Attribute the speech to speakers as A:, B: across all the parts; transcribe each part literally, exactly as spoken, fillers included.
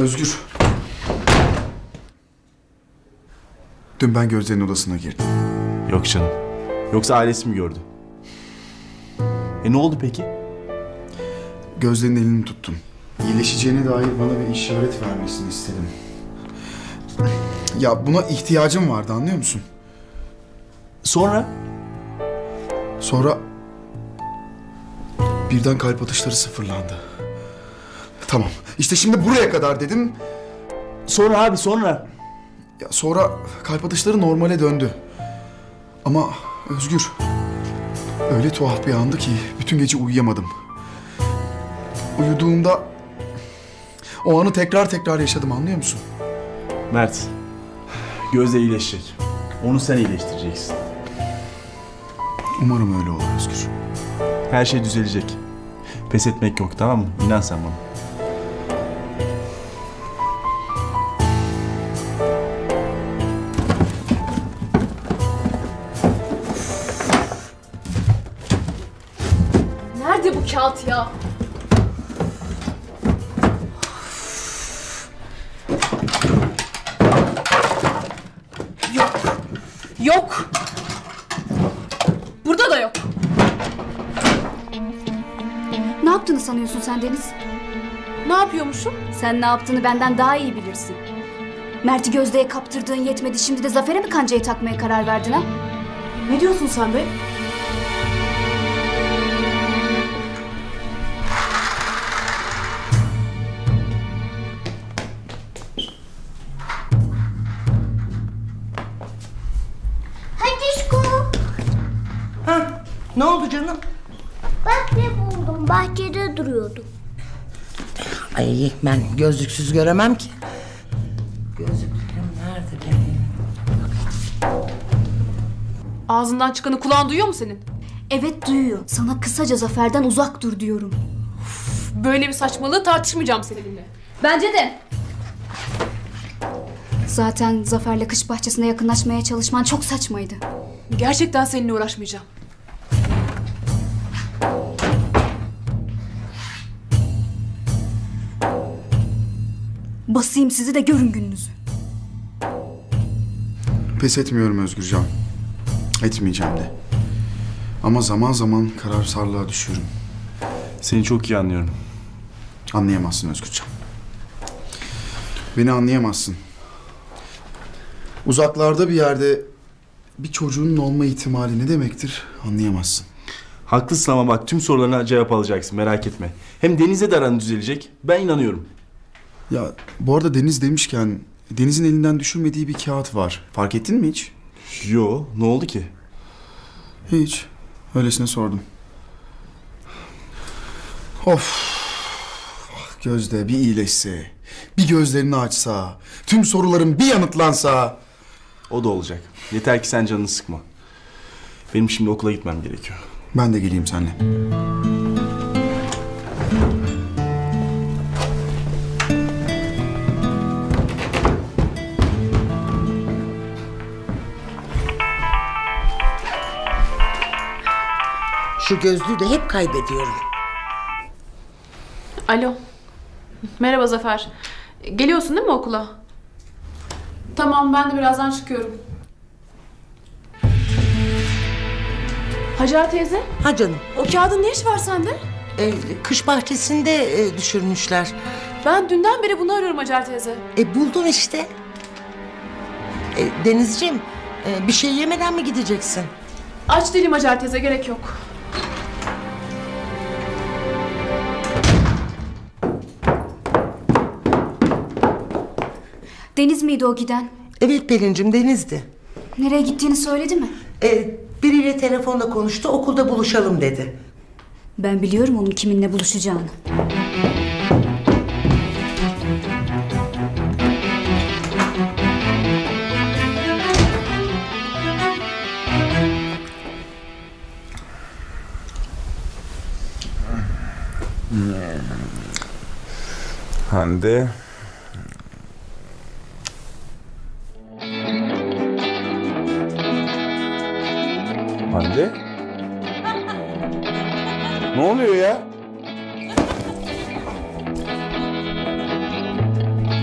A: Özgür. Dün ben Gözde'nin odasına girdim.
B: Yok canım. Yoksa ailesi mi gördü? E ne oldu peki?
A: Gözde'nin elini tuttum. İyileşeceğine dair bana bir işaret vermesini istedim. Ya buna ihtiyacım vardı, anlıyor musun?
B: Sonra?
A: Sonra birden kalp atışları sıfırlandı. Tamam. İşte şimdi buraya kadar dedim.
B: Sonra abi sonra.
A: Ya sonra kalp atışları normale döndü. Ama Özgür, öyle tuhaf bir andı ki bütün gece uyuyamadım. Uyuduğumda o anı tekrar tekrar yaşadım, anlıyor musun?
B: Mert. Gözde iyileşecek. Onu sen iyileştireceksin.
A: Umarım öyle olur Özgür.
B: Her şey düzelecek. Pes etmek yok, tamam mı? İnan sen bana.
C: Nerede bu kağıt ya? Yok. Yok. Burada da yok.
D: Ne yaptığını sanıyorsun sen Deniz?
C: Ne yapıyormuşum?
D: Sen ne yaptığını benden daha iyi bilirsin. Mert'i Gözde'ye kaptırdığın yetmedi, şimdi de Zafer'e mi kancayı takmaya karar verdin ha?
C: Ne diyorsun sen be?
E: Ha, ne oldu canım?
F: Bak ne buldum. Bahçede duruyordu.
E: Ay ben gözlüksüz göremem ki. Gözlüklerim nerede benim?
C: Ağzından çıkanı kulağın duyuyor mu senin?
D: Evet, duyuyor. Sana kısaca Zafer'den uzak dur diyorum.
C: Böyle bir saçmalığı tartışmayacağım seninle.
D: Bence de. Zaten Zafer'le kış bahçesine yakınlaşmaya çalışman çok saçmaydı.
C: Gerçekten seninle uğraşmayacağım.
D: Basayım sizi de görün gününüzü.
A: Pes etmiyorum Özgürcan. Etmeyeceğim de. Ama zaman zaman kararsarlığa düşüyorum.
B: Seni çok iyi anlıyorum.
A: Anlayamazsın Özgürcan. Beni anlayamazsın. Uzaklarda bir yerde bir çocuğunun olma ihtimali ne demektir anlayamazsın.
B: Haklısın ama bak tüm sorularına cevap alacaksın, merak etme. Hem Deniz'le de aran düzelecek. Ben inanıyorum.
A: Ya bu arada Deniz demişken Deniz'in elinden düşürmediği bir kağıt var. Fark ettin mi hiç?
B: Yo, ne oldu ki?
A: Hiç. Öylesine sordum. Of. Ah, Gözde bir iyileşse, bir gözlerini açsa, tüm sorularım bir yanıtlansa.
B: O da olacak. Yeter ki sen canını sıkma. Benim şimdi okula gitmem gerekiyor.
A: Ben de geleyim seninle.
E: Şu gözlüğü de hep kaybediyorum.
C: Alo. Merhaba Zafer. Geliyorsun değil mi okula? Tamam, ben de birazdan çıkıyorum. Hacer teyze,
E: Ha canım,
C: o kağıdın ne işi var sende?
E: e, kış bahçesinde e, düşürmüşler.
C: Ben dünden beri bunu arıyorum Hacer teyze.
E: E buldum işte. E, Denizciğim, e, bir şey yemeden mi gideceksin?
C: Aç değilim Hacer teyze, gerek yok.
D: Deniz miydi o giden?
E: Evet Pelin'cim, Deniz'di.
D: Nereye gittiğini söyledi mi?
E: E, biriyle telefonla konuştu, okulda buluşalım dedi.
D: Ben biliyorum onun kiminle buluşacağını.
G: Hande. Hande? Ne oluyor ya?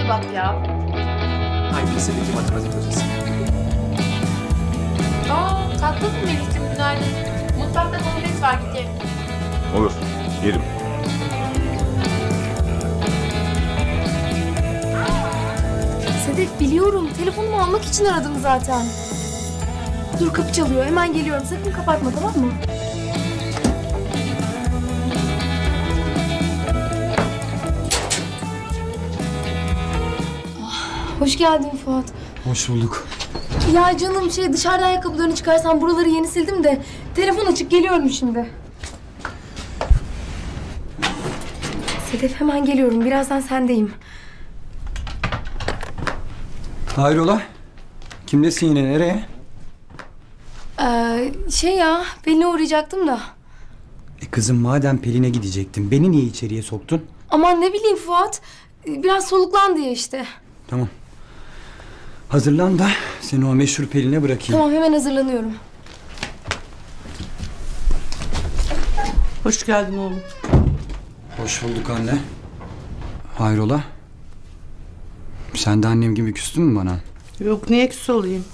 C: bir bak ya.
H: Hangi lisedeki matematik hocası?
C: Aa, kalktın mı Melih'cim? Günaydın. Mutfakta domates var, git ye.
G: Olur. Yerim.
I: Sedef biliyorum. Telefonumu almak için aradım zaten. Dur kapı çalıyor. Hemen geliyorum. Sakın kapatma, tamam mı? Ah, hoş geldin Fuat.
A: Hoş bulduk.
I: Ya canım şey dışarıda ayakkabılarını çıkarsan buraları yeni sildim de telefon açık geliyorum şimdi. Sedef hemen geliyorum. Birazdan sendeyim.
J: Hayrola? Kimdesin yine, nereye?
I: Ee, şey ya Pelin'e uğrayacaktım da.
J: E kızım madem Pelin'e gidecektin, beni niye içeriye soktun?
I: Aman ne bileyim Fuat. Biraz soluklan diye işte.
J: Tamam. Hazırlan da seni o meşhur Pelin'e bırakayım.
I: Tamam hemen hazırlanıyorum.
E: Hoş geldin oğlum.
J: Hoş bulduk anne. Hayrola? Sen de annem gibi küstün mü bana?
E: Yok, niye küs olayım?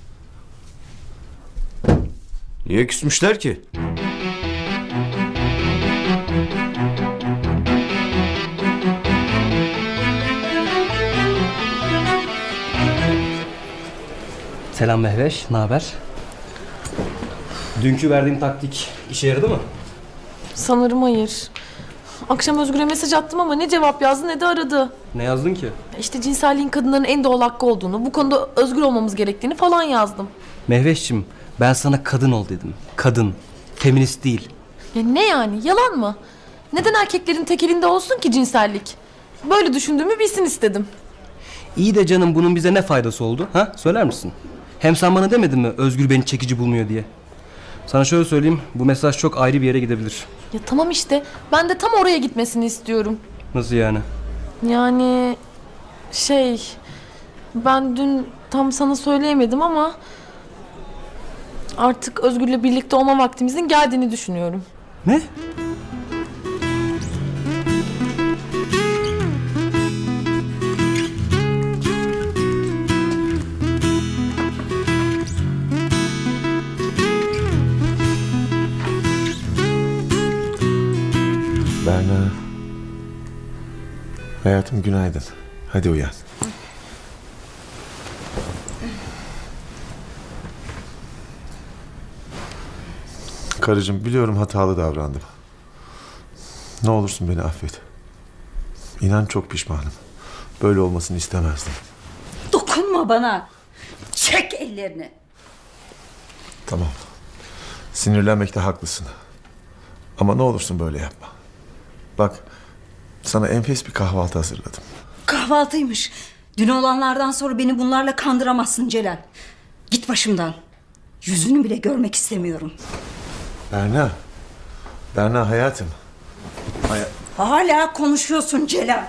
H: Niye küsmüşler ki?
K: Selam Mehveş, ne haber? Dünkü verdiğim taktik işe yaradı mı?
L: Sanırım hayır. Akşam Özgür'e mesaj attım ama ne cevap yazdı ne de aradı.
K: Ne yazdın ki?
L: İşte cinselliğin kadınların en doğal hakkı olduğunu, bu konuda özgür olmamız gerektiğini falan yazdım.
K: Mehveş'cim, ben sana kadın ol dedim. Kadın, feminist değil.
L: Ya ne yani, yalan mı? Neden erkeklerin tek elinde olsun ki cinsellik? Böyle düşündüğümü bilsin istedim.
K: İyi de canım, bunun bize ne faydası oldu? Ha? Söyler misin? Hem sen bana demedin mi Özgür beni çekici bulmuyor diye? Sana şöyle söyleyeyim, bu mesaj çok ayrı bir yere gidebilir.
L: Ya tamam işte, ben de tam oraya gitmesini istiyorum.
K: Nasıl yani?
L: Yani şey, ben dün tam sana söyleyemedim ama artık Özgür'le birlikte olma vaktimizin geldiğini düşünüyorum.
K: Ne?
G: Berna. Hayatım günaydın. Hadi uyan. Karıcığım biliyorum hatalı davrandım. Ne olursun beni affet. İnan çok pişmanım. Böyle olmasını istemezdim.
M: Dokunma bana. Çek ellerini.
G: Tamam. Sinirlenmekte haklısın. Ama ne olursun böyle yapma. Bak, sana enfes bir kahvaltı hazırladım.
M: Kahvaltıymış. Dün olanlardan sonra beni bunlarla kandıramazsın Celal. Git başımdan. Yüzünü bile görmek istemiyorum.
G: Berna. Berna hayatım. Hay-
M: Hala konuşuyorsun Celal.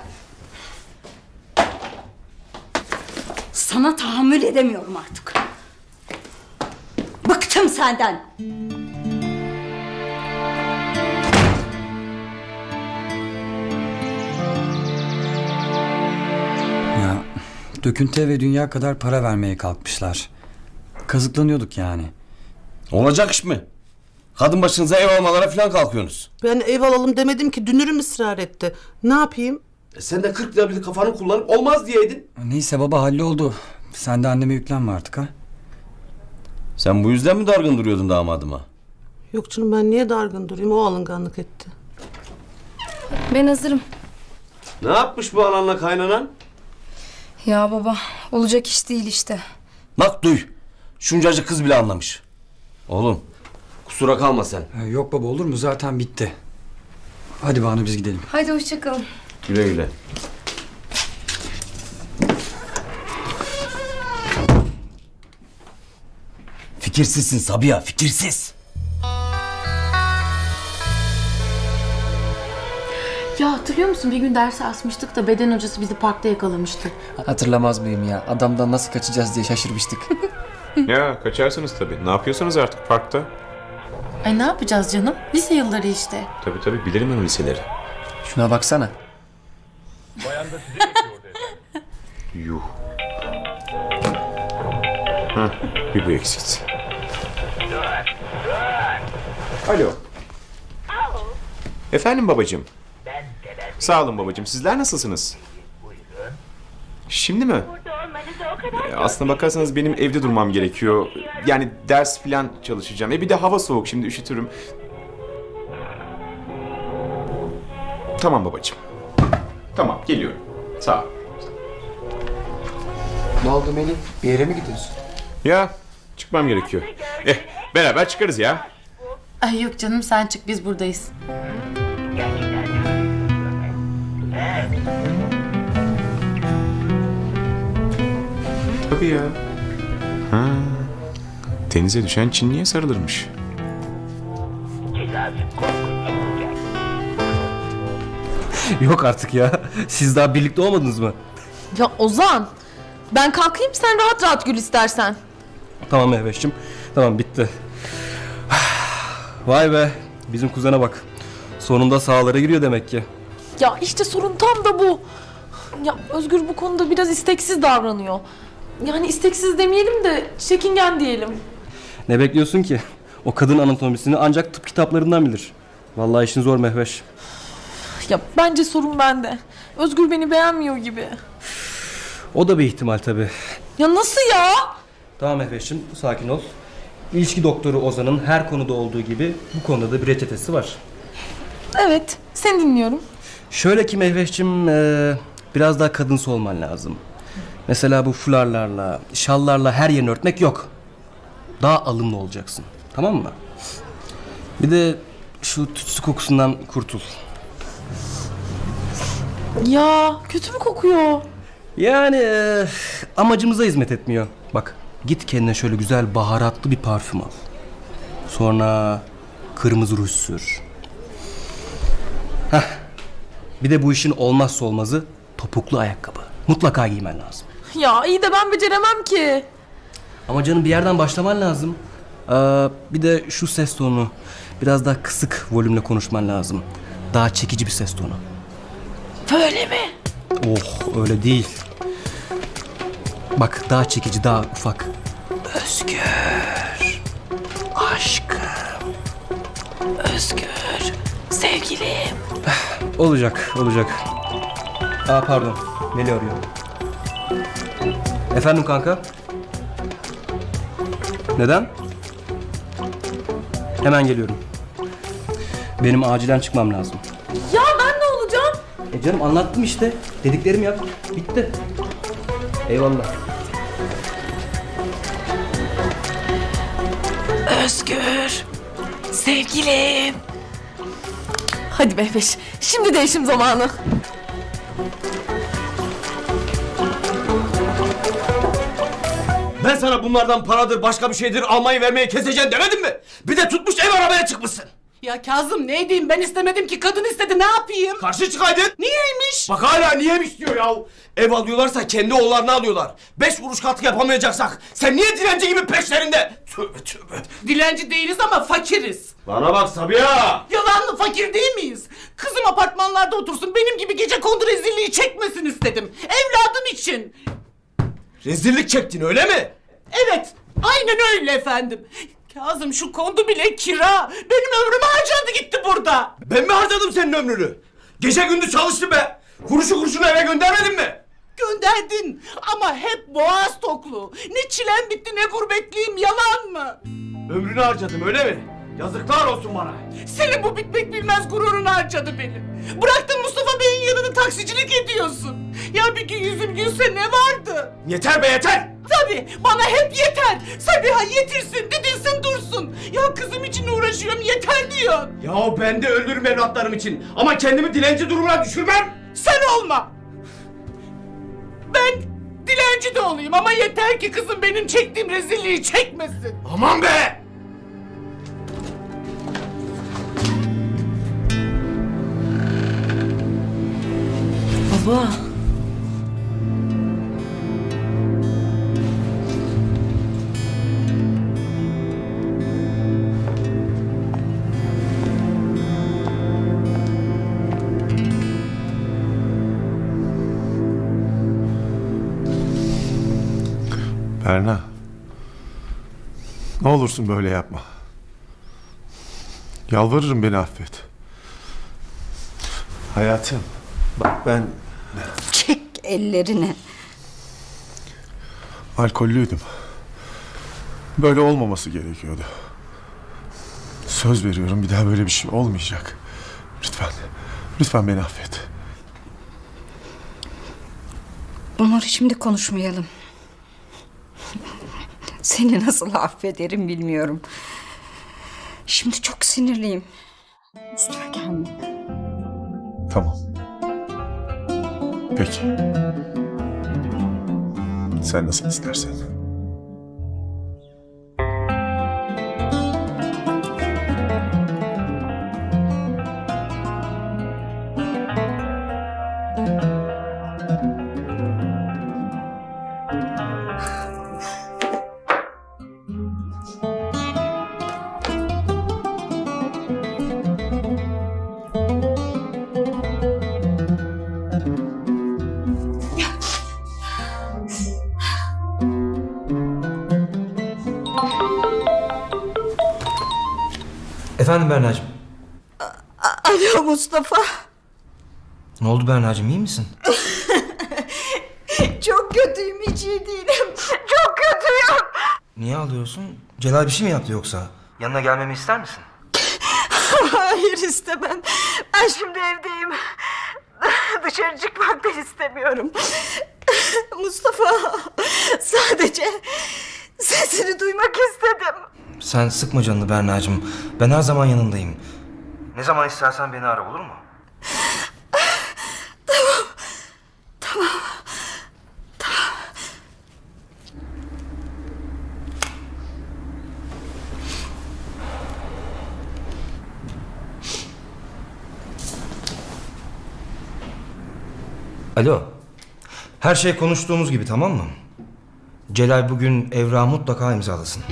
M: Sana tahammül edemiyorum artık. Bıktım senden.
J: Ya döküntü ve dünya kadar para vermeye kalkmışlar. Kazıklanıyorduk yani.
H: Olacak iş mi? Kadın başınıza ev almalara falan kalkıyorsunuz.
E: Ben ev alalım demedim ki, dünürüm ısrar etti. Ne yapayım?
H: E sen de kırk lira bir kafanı kullanıp olmaz diyeydin.
J: Neyse baba, halloldu. Sen de anneme yüklenme artık ha.
H: Sen bu yüzden mi dargın duruyordun damadıma?
E: Yok canım, ben niye dargın durayım? O alınganlık etti.
I: Ben hazırım.
H: Ne yapmış bu ananla kaynanan?
I: Ya baba olacak iş değil işte.
H: Bak duy. Şuncacık kız bile anlamış. Oğlum kusura kalma sen.
J: Ha, yok baba, olur mu, zaten bitti. Hadi Banu biz gidelim.
I: Haydi hoşçakalın.
H: Güle güle. Fikirsizsin Sabiha, fikirsiz.
C: Ya hatırlıyor musun? Bir gün derse asmıştık da beden hocası bizi parkta yakalamıştı.
K: Hatırlamaz mıyım ya? Adamdan nasıl kaçacağız diye şaşırmıştık.
N: Ya kaçarsınız tabii. Ne yapıyorsanız artık parkta.
C: Ay ne yapacağız canım? Lise yılları işte.
N: Tabii tabii bilirim ben o liseleri.
K: Şuna baksana.
N: Yuh. Heh, bir bu eksikti. Alo. Efendim babacığım. Sağ olun babacığım. Sizler nasılsınız? Şimdi mi? E, aslına bakarsanız benim evde durmam gerekiyor. Yani ders falan çalışacağım. E bir de hava soğuk, şimdi üşütürüm. Tamam babacığım. Tamam, geliyorum. Sağ ol.
J: Ne oldu Melih? Bir yere mi gidiyorsun?
N: Ya çıkmam gerekiyor. Eh beraber çıkarız ya.
L: Ay yok canım sen çık biz buradayız.
N: Tabii ya. Ha. Denize düşen Çinli'ye sarılırmış.
K: Yok artık ya. Siz daha birlikte olmadınız mı?
L: Ya Ozan ben kalkayım sen rahat rahat gül istersen.
K: Tamam Mehveş'cim. Tamam bitti. Vay be. Bizim kuzene bak. Sonunda sahalara giriyor demek ki.
L: Ya işte sorun tam da bu. Ya Özgür bu konuda biraz isteksiz davranıyor. Yani isteksiz demeyelim de çekingen diyelim.
K: Ne bekliyorsun ki? O kadın anatomisini ancak tıp kitaplarından bilir. Vallahi işin zor Mehveş.
L: Ya bence sorun bende. Özgür beni beğenmiyor gibi.
K: O da bir ihtimal tabii.
L: Ya nasıl ya?
K: Tamam Mehveş'cim sakin ol. İlişki doktoru Ozan'ın her konuda olduğu gibi bu konuda da bir reçetesi var.
L: Evet seni dinliyorum.
K: Şöyle ki Mehveş'cim e, biraz daha kadınsı olman lazım. Mesela bu fularlarla, şallarla her yerini örtmek yok. Daha alımlı olacaksın. Tamam mı? Bir de şu tütsü kokusundan kurtul.
L: Ya kötü mü kokuyor?
K: Yani e, amacımıza hizmet etmiyor. Bak git kendine şöyle güzel baharatlı bir parfüm al. Sonra kırmızı ruj sür. Heh. Bir de bu işin olmazsa olmazı topuklu ayakkabı. Mutlaka giymen lazım.
L: Ya iyi de ben beceremem ki.
K: Ama canım bir yerden başlaman lazım. Aa, bir de şu ses tonu. Biraz daha kısık volümle konuşman lazım. Daha çekici bir ses tonu.
L: Böyle mi?
K: Oh öyle değil. Bak daha çekici, daha ufak. Özgür. Aşkım.
L: Özgür. Sevgilim.
K: Olacak, olacak. Aa pardon. Melih arıyor. Efendim kanka? Neden? Hemen geliyorum. Benim acilen çıkmam lazım.
L: Ya ben ne olacağım?
K: E canım anlattım işte. Dediklerimi yap. Bitti. Eyvallah.
L: Özgür. Sevgilim. Hadi Mehveş. Şimdi değişim zamanı.
H: Ben sana bunlardan paradır başka bir şeydir almayı vermeyi keseceğim demedim mi? Bir de tutmuş ev aramaya çıkmışsın.
O: Ya Kazım ne edeyim ben istemedim ki kadın istedi ne yapayım?
H: Karşı çıkaydın.
O: Niyeymiş?
H: Bak hala niyeymiş diyor ya. Ev alıyorlarsa kendi oğullarını alıyorlar. Beş kuruş katkı yapamayacaksak sen niye dilenci gibi peşlerinde? Tövbe tövbe.
O: Dilenci değiliz ama fakiriz.
H: Bana bak Sabiha.
O: Yalanlı fakir değil miyiz? Kızım apartmanlarda otursun benim gibi gece kondu rezilliği çekmesin istedim. Evladım için.
H: Rezillik çektin öyle mi?
O: Evet aynen öyle efendim. Kazım şu kondu bile kira. Benim ömrüm harcandı gitti burada.
H: Ben mi harcadım senin ömrünü? Gece gündüz çalıştım be. Kuruşu kuruşunu eve göndermedin mi?
O: Gönderdin ama hep boğaz toklu. Ne çilem bitti ne gurbetliyim yalan mı?
H: Ömrünü harcadım öyle mi? Yazıklar olsun bana.
O: Senin bu bitmek bilmez gururun harcadı beni. Bıraktın Mustafa Bey'in yanında taksicilik ediyorsun. Ya bir gün yüzüm gülse ne vardı?
H: Yeter be yeter.
O: Tabii bana hep yeter. Sabiha yetirsin didilsin dursun. Ya kızım için uğraşıyorum yeter diyor.
H: Ya ben de öldürürüm evlatlarım için. Ama kendimi dilenci durumuna düşürmem.
O: Sen olma. Ben dilenci de olayım ama yeter ki kızım benim çektiğim rezilliği çekmesin.
H: Aman be.
L: Baba.
G: Berna. Ne olursun böyle yapma. Yalvarırım, beni affet. Hayatım. Bak ben
M: Çek ellerini.
G: alkollüydüm. Böyle olmaması gerekiyordu. Söz veriyorum, bir daha böyle bir şey olmayacak. Lütfen. Lütfen beni affet.
M: Bunları şimdi konuşmayalım. Seni nasıl affederim bilmiyorum. Şimdi çok sinirliyim. Üstüme gelme.
G: Tamam. Peki. Sen nasıl istersen.
K: Efendim Berna'cığım.
M: Alo Mustafa.
K: Ne oldu Berna'cığım, iyi misin?
M: Çok kötüyüm, hiç iyi değilim. Çok kötüyüm.
K: Niye ağlıyorsun? Celal bir şey mi yaptı yoksa? Yanına gelmemi ister misin?
M: Hayır, istemem. Ben şimdi evdeyim. Dışarı çıkmak da istemiyorum. Mustafa, sadece sesini duymak istedim.
K: Sen sıkma canını Berna'cığım. Ben her zaman yanındayım. Ne zaman istersen beni ara, olur mu?
M: Tamam. Tamam. Tamam.
K: Alo. Her şey konuştuğumuz gibi, tamam mı? Celal bugün evrağı mutlaka imzalasın.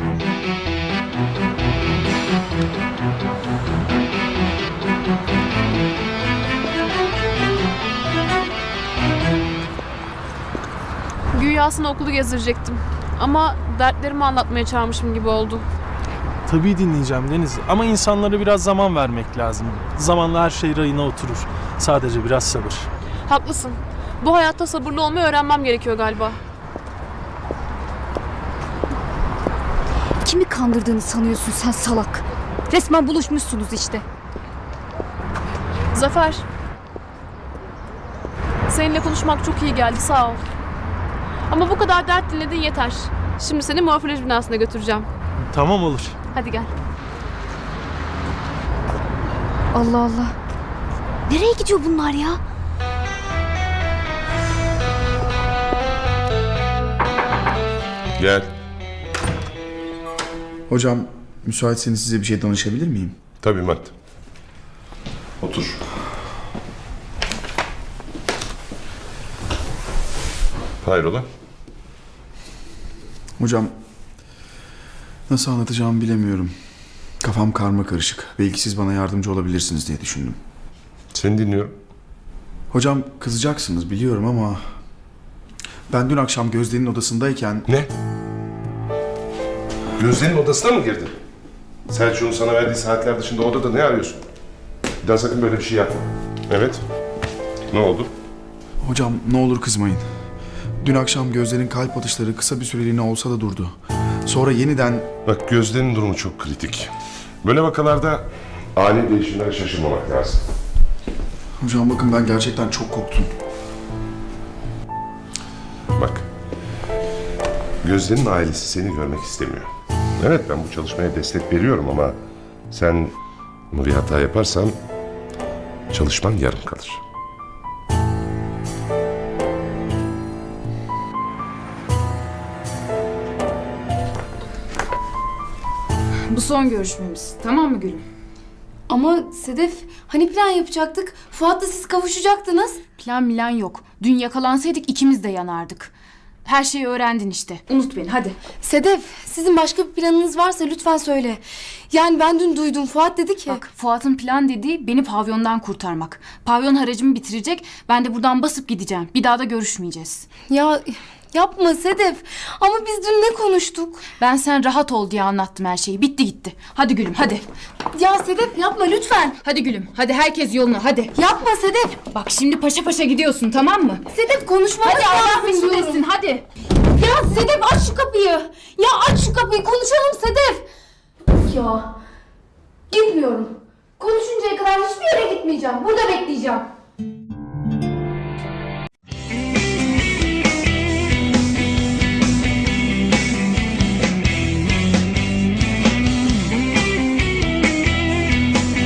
C: Güya aslında okulu gezdirecektim. Ama dertlerimi anlatmaya çağırmışım gibi oldu.
P: Tabii dinleyeceğim Deniz. Ama insanlara biraz zaman vermek lazım. Zamanla her şey rayına oturur. Sadece biraz sabır.
C: Haklısın. Bu hayatta sabırlı olmayı öğrenmem gerekiyor galiba.
D: Kimi kandırdığını sanıyorsun sen salak? Resmen buluşmuşsunuz işte.
C: Zafer. Seninle konuşmak çok iyi geldi, sağ ol. Ama bu kadar dert dinledin yeter. Şimdi seni morfoloji binasına götüreceğim.
P: Tamam, olur.
C: Hadi gel.
D: Allah Allah. Nereye gidiyor bunlar ya?
Q: Gel.
A: Hocam, müsaitseniz size bir şey danışabilir miyim?
Q: Tabii Mert. Otur. Hayrola?
A: Hocam, nasıl anlatacağımı bilemiyorum. Kafam karma karışık. Belki siz bana yardımcı olabilirsiniz diye düşündüm.
Q: Seni dinliyorum.
A: Hocam, kızacaksınız biliyorum ama... ben dün akşam Gözde'nin odasındayken...
Q: Ne? Gözde'nin odasına mı girdin? Selçuk'un sana verdiği saatler dışında odada ne arıyorsun? Bir daha sakın böyle bir şey yapma. Evet. Ne oldu?
A: Hocam, ne olur kızmayın. Dün akşam Gözde'nin kalp atışları kısa bir süreliğine olsa da durdu. Sonra yeniden...
Q: Bak, Gözde'nin durumu çok kritik. Böyle vakalarda ani değişimlere şaşırmamak lazım.
A: Hocam bakın, ben gerçekten çok korktum.
Q: Bak, Gözde'nin ailesi seni görmek istemiyor. Evet, ben bu çalışmaya destek veriyorum ama sen bunu bir hata yaparsan çalışman yarım kalır.
R: Bu son görüşmemiz. Tamam mı Gülüm?
I: Ama Sedef, hani plan yapacaktık? Fuat'la siz kavuşacaktınız.
R: Plan milan yok. Dün yakalansaydık ikimiz de yanardık. Her şeyi öğrendin işte. Unut beni hadi.
I: Sedef, sizin başka bir planınız varsa lütfen söyle. Yani ben dün duydum, Fuat dedi ki...
R: Bak, Fuat'ın plan dediği beni pavyondan kurtarmak. Pavyon haracımı bitirecek, ben de buradan basıp gideceğim. Bir daha da görüşmeyeceğiz.
I: Ya Yapma Sedef. Ama biz dün ne konuştuk?
R: Ben sen rahat ol diye anlattım her şeyi. Bitti gitti. Hadi gülüm hadi.
I: Ya Sedef yapma lütfen.
R: Hadi gülüm. Hadi herkes yoluna hadi.
I: Yapma Sedef.
R: Bak şimdi paşa paşa gidiyorsun tamam mı?
I: Sedef konuşmamız
R: Hadi Allah
I: lazım
R: mesut
I: diyorum.
R: etsin hadi.
I: Ya Sedef aç şu kapıyı. Ya aç şu kapıyı konuşalım Sedef. Ya gitmiyorum. Konuşuncaya kadar hiçbir yere gitmeyeceğim. Burada bekleyeceğim.